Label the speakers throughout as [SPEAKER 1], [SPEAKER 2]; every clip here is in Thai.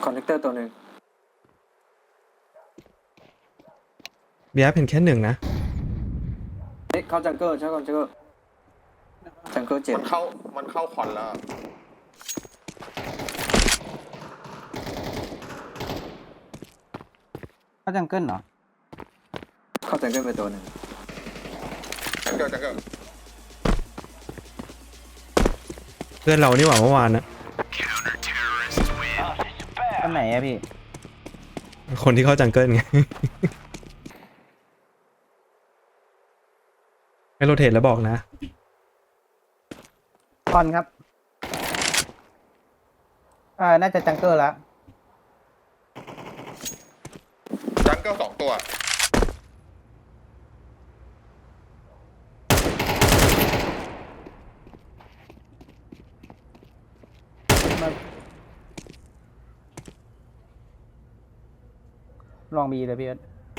[SPEAKER 1] คอนเนคเตอร์ตัวหนึ่ง
[SPEAKER 2] เบียร์เป็นแค่หนึ่งนะ
[SPEAKER 1] เฮ้ยเข้าจังเกิลใช่จังเกิลจังเกิลเจ็บ
[SPEAKER 3] มันเข้าคอนแล้ว
[SPEAKER 4] เข้าจังเกิลเหรอ
[SPEAKER 1] เข้าจังเกิลไปตัวหนึ่ง
[SPEAKER 3] จังเกิล
[SPEAKER 2] เพื่อนเรานี่หว่าเมื่อวานนะ
[SPEAKER 4] อันไหนอะพี่
[SPEAKER 2] คนที่เข้าจังเกิลไง ให้โรเทตแล้วบอกนะ
[SPEAKER 4] คอนครับ น่าจะจังเกิลแล้ว
[SPEAKER 3] จังเกิล2 ตัว
[SPEAKER 4] ลองบีเลยพี่เอิร์ธ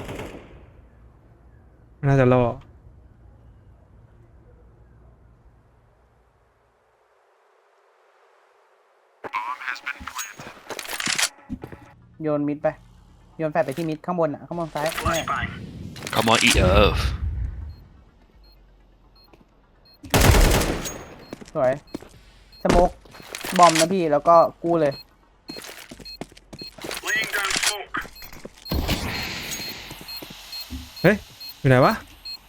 [SPEAKER 2] น่าจะรอ
[SPEAKER 4] โยนมิดไป โยนแฟลชไปที่มิดข้างบนข้างบนซ้ายเนี่ย
[SPEAKER 5] Come on eat up
[SPEAKER 4] สวย สโมกบอมนะพี่แล้วก็กู้เลย
[SPEAKER 2] เฮ้ย อยู่ไหนวะ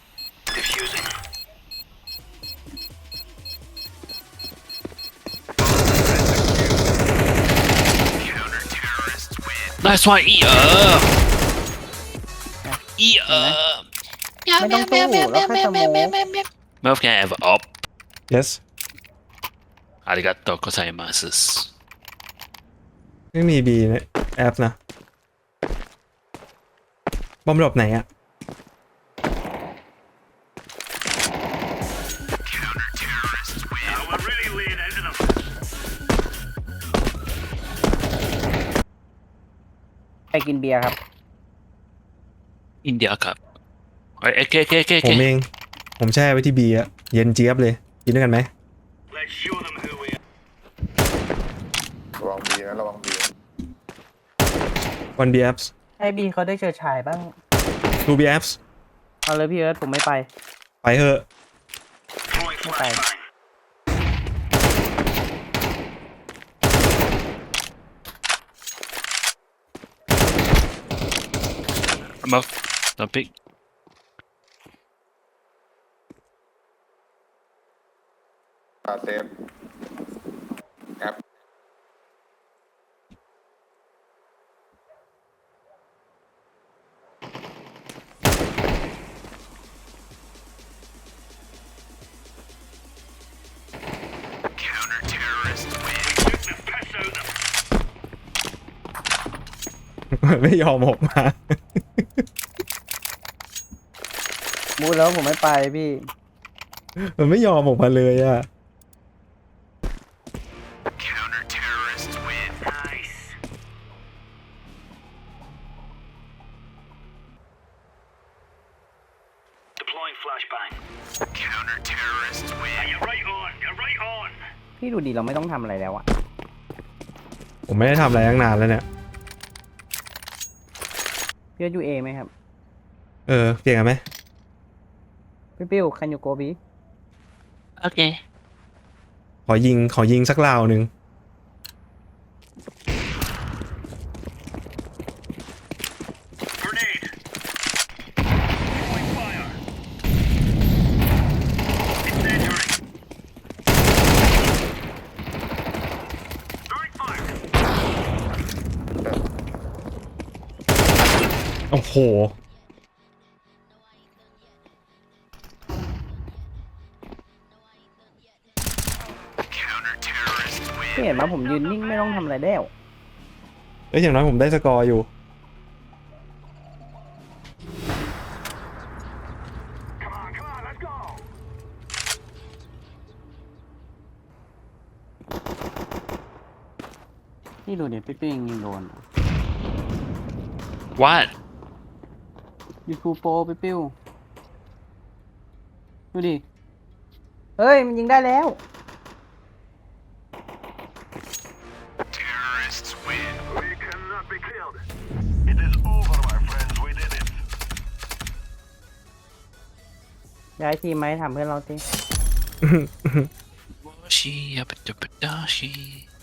[SPEAKER 5] Nice one eat up eat up
[SPEAKER 6] แมวแมวแมวแมวแมวแมวแมวแมวแมวแมว
[SPEAKER 5] Mouth can have up
[SPEAKER 2] yes
[SPEAKER 5] ありがとうございます
[SPEAKER 2] ไม่มีบีในแอปนะ บอมดรอปไหนอะ
[SPEAKER 4] ไปกินเบียร์ครับ
[SPEAKER 5] อินเดียครับเอ้ยโอเคโอเคโอเคโอ
[SPEAKER 2] ผ
[SPEAKER 5] เค
[SPEAKER 2] มเอง ผมแช่ไว้ที่บีอะเย็นเจี๊ยบเลย กินด้วยกันไหม
[SPEAKER 3] ระวังบีนะระวังบี
[SPEAKER 2] วันบีแอป
[SPEAKER 4] ให้บีเขาได้เชิดฉายบ้าง
[SPEAKER 2] ทูบีแอป
[SPEAKER 4] เอาเลยพี่เอิร์ธผมไม่ไป
[SPEAKER 2] ไปเถอะ
[SPEAKER 4] ไม่ไป
[SPEAKER 5] Mouth don't pick
[SPEAKER 3] เซฟแอป
[SPEAKER 2] ไม่ยอมออกมา
[SPEAKER 4] มูดแล้วผมไม่ไปพี่
[SPEAKER 2] มันไม่ยอมออกมาเลยอะ
[SPEAKER 4] พี่ดูดีเราไม่ต้องทำอะไรแล้วอะ
[SPEAKER 2] ผมไม่ได้ทำอะไรตั้งนานแล้วเนี่ย
[SPEAKER 4] พี่เอิร์ธยูเอไหมครับ
[SPEAKER 2] เปลี่ยนกันไหม
[SPEAKER 4] พี่ปิ้วคันยูโกบี
[SPEAKER 5] โอเค
[SPEAKER 2] ขอยิงสักราวหนึ่ง โอ้โห
[SPEAKER 4] พี่เห็นไหมผมยืนนิ่งไม่ต้องทำอะไรแล้ว
[SPEAKER 2] อย่างน้อยผมได้สกอร์อยู่
[SPEAKER 4] พี่ดูดิพี่ปิ้วยังยิงโดน
[SPEAKER 5] What
[SPEAKER 4] ยูทูโปพี่ปิ้วดูดิ เฮ้ย มันยิงได้แล้ว
[SPEAKER 7] Terrorists win. We
[SPEAKER 4] ย้ายทีมไหมถามเพื่อนเราสิ
[SPEAKER 5] ชีอาปะจบปะดาชี